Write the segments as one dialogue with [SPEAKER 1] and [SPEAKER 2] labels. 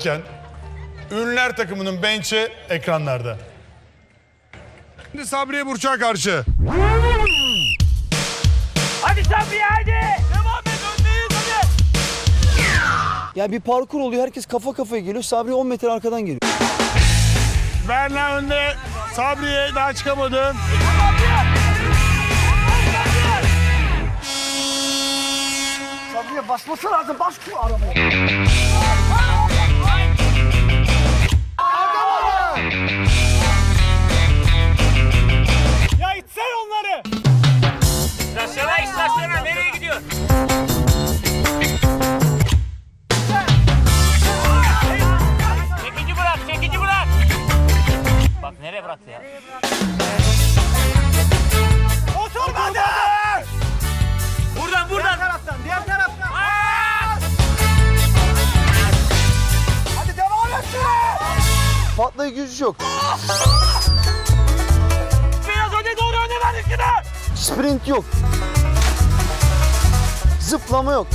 [SPEAKER 1] Ünlüler takımının bench'i ekranlarda. Şimdi Sabriye Burçak'a karşı.
[SPEAKER 2] Hadi Sabriye hadi. Devam et, öndeyiz hadi.
[SPEAKER 3] Ya bir parkur oluyor, herkes kafa kafaya geliyor. Sabri 10 metre arkadan geliyor.
[SPEAKER 1] Berna önde. Sabriye daha çıkamadı.
[SPEAKER 3] Sabriye basması lazım, bas şu arabaya.
[SPEAKER 2] Ya itsen onları. İstasyona nereye gidiyor? Çekici bırak. Bak nereye bıraktı ya? Oturmadı! Buradan.
[SPEAKER 3] Diğer taraftan. Hadi devam et şuraya. Patlayıcı güç yok.
[SPEAKER 2] Biraz öne doğru öne ver üstüne.
[SPEAKER 3] Sprint yok. Zıplama yok.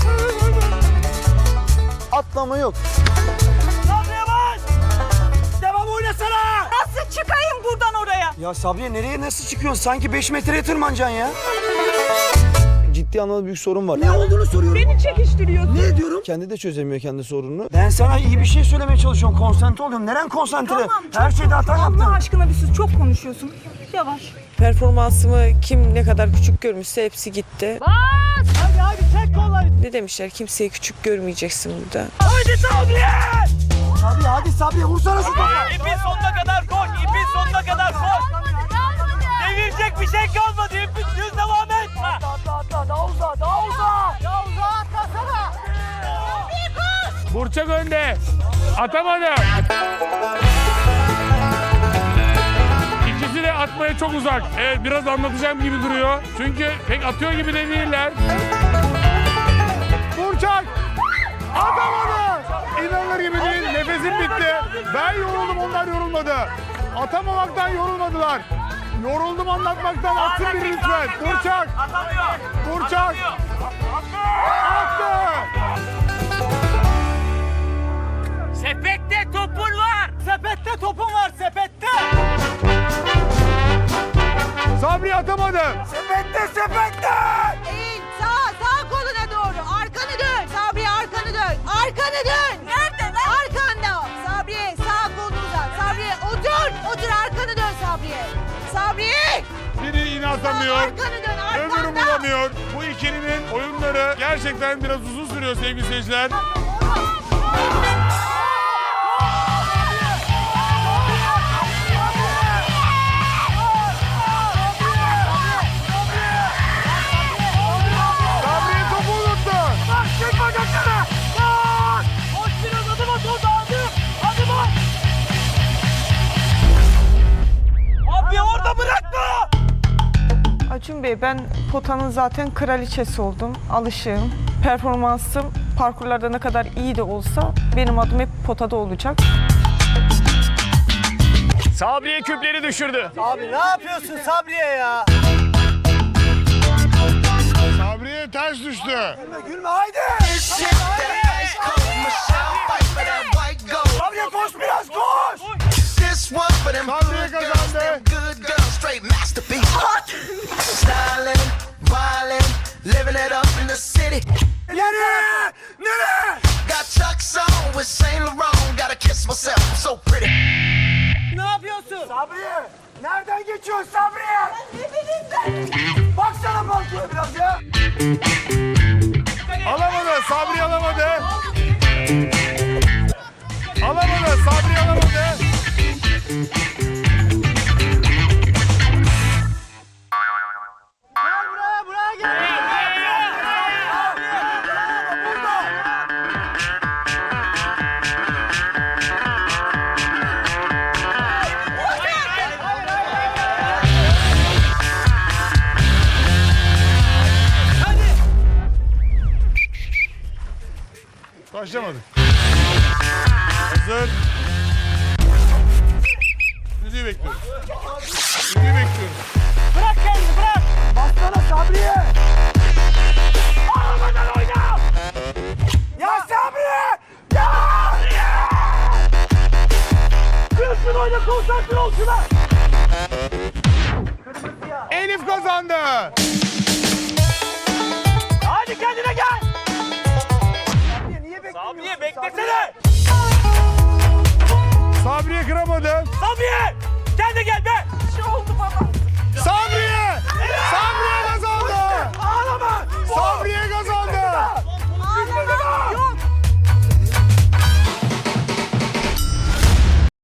[SPEAKER 3] Atlama yok.
[SPEAKER 2] Sabriye bas! Devam oynasana!
[SPEAKER 4] Nasıl çıkayım buradan oraya?
[SPEAKER 3] Ya Sabriye nereye nasıl çıkıyorsun? Sanki 5 metreye tırmanacaksın ya. Ciddi anlamda büyük sorun var. Ne olduğunu soruyorum.
[SPEAKER 4] Beni çekiştiriyorsun.
[SPEAKER 3] Ne diyorum? Kendi de çözemiyor kendi sorununu. Ben sana iyi bir şey söylemeye çalışıyorum. Konsantre oluyorum. Neren konsantre?
[SPEAKER 4] Tamam,
[SPEAKER 3] Her şeyde hata yaptın.
[SPEAKER 4] Allah aşkına bir sus. Çok konuşuyorsun. Yavaş.
[SPEAKER 5] Performansımı kim ne kadar küçük görmüşse hepsi gitti.
[SPEAKER 2] Hadi çek kolları.
[SPEAKER 5] Ne demişler? Kimseyi küçük görmeyeceksin burada.
[SPEAKER 2] Haydi Sabriye!
[SPEAKER 3] Sabriye hadi Sabriye vursana şu topu.
[SPEAKER 2] İpin sonuna kadar koş, ipin sonuna kadar koş. Devirecek bir şey kalmadı, ipin düz devam et.
[SPEAKER 3] Daha uzağa.
[SPEAKER 2] Ya uzağa atlasana.
[SPEAKER 6] Burçak önde. Atamadı. İkisi de atmaya çok uzak. Evet, biraz anlatacağım gibi duruyor. Çünkü pek atıyor gibi de değiller.
[SPEAKER 1] Burçak! Atamadı! İnanılır gibi değil. Nefesim bitti. Ben yoruldum, onlar yorulmadı. Atamamaktan yorulmadılar. Yoruldum anlatmaktan. Atsın biri lütfen. Burçak!
[SPEAKER 2] Atamıyor.
[SPEAKER 1] Burçak! Attı!
[SPEAKER 2] Sepette topun var. Sepette topun var, sepette.
[SPEAKER 1] Sabri atamadı.
[SPEAKER 3] Sepette.
[SPEAKER 4] Eğil. Sağ koluna doğru. Arkanı dön. Sabriye arkanı dön. Arkanı dön. Nerede lan? Arkanda. Sabriye sağ kolunu uzat. Sabriye otur. Arkanı dön Sabriye. Sabriye.
[SPEAKER 1] Biri yine atamıyor.
[SPEAKER 4] Arkanı dön.
[SPEAKER 1] Öbürü
[SPEAKER 4] Arkanda.
[SPEAKER 1] bulamıyor. Bu ikilinin oyunları gerçekten biraz uzun sürüyor sevgili seyirciler. Sabriye topu unuttu.
[SPEAKER 2] Çık bacaklarına. Bak. Koş biraz adım at orada adım. Adım at. Abi orada bırakma.
[SPEAKER 5] Acun Bey, ben potanın zaten kraliçesi oldum. Alışığım. Performansım parkurlarda ne kadar iyi de olsa benim adım hep potada olacak.
[SPEAKER 6] Sabriye küpleri düşürdü.
[SPEAKER 3] Abi ne yapıyorsun Sabriye ya?
[SPEAKER 1] Sabriye ters düştü.
[SPEAKER 3] Gülme haydi. Sabriye koş biraz koş.
[SPEAKER 1] Sabriye kazandı.
[SPEAKER 3] Nereye?
[SPEAKER 7] Got Chuck's on with Saint Laurent. Gotta kiss myself, I'm so pretty.
[SPEAKER 2] Ne yapıyorsun?
[SPEAKER 3] Sabriye. Nereden geçiyorsun Sabriye? Ne bileyim ben. Baksana parkura biraz ya.
[SPEAKER 1] Alamadı. Sabri alamadı. Alamadı. Sabri alamadı.
[SPEAKER 2] Buraya gel.
[SPEAKER 1] Başlamadık. Hazır. Müziği bekliyoruz. Müziği bekliyoruz.
[SPEAKER 2] Bırak kendini bırak.
[SPEAKER 3] Baksana Sabriye.
[SPEAKER 2] Ağlamadan oyna.
[SPEAKER 3] Ya Sabriye. Ya.
[SPEAKER 2] oyna konsantre ol şuna.
[SPEAKER 1] Elif kazandı.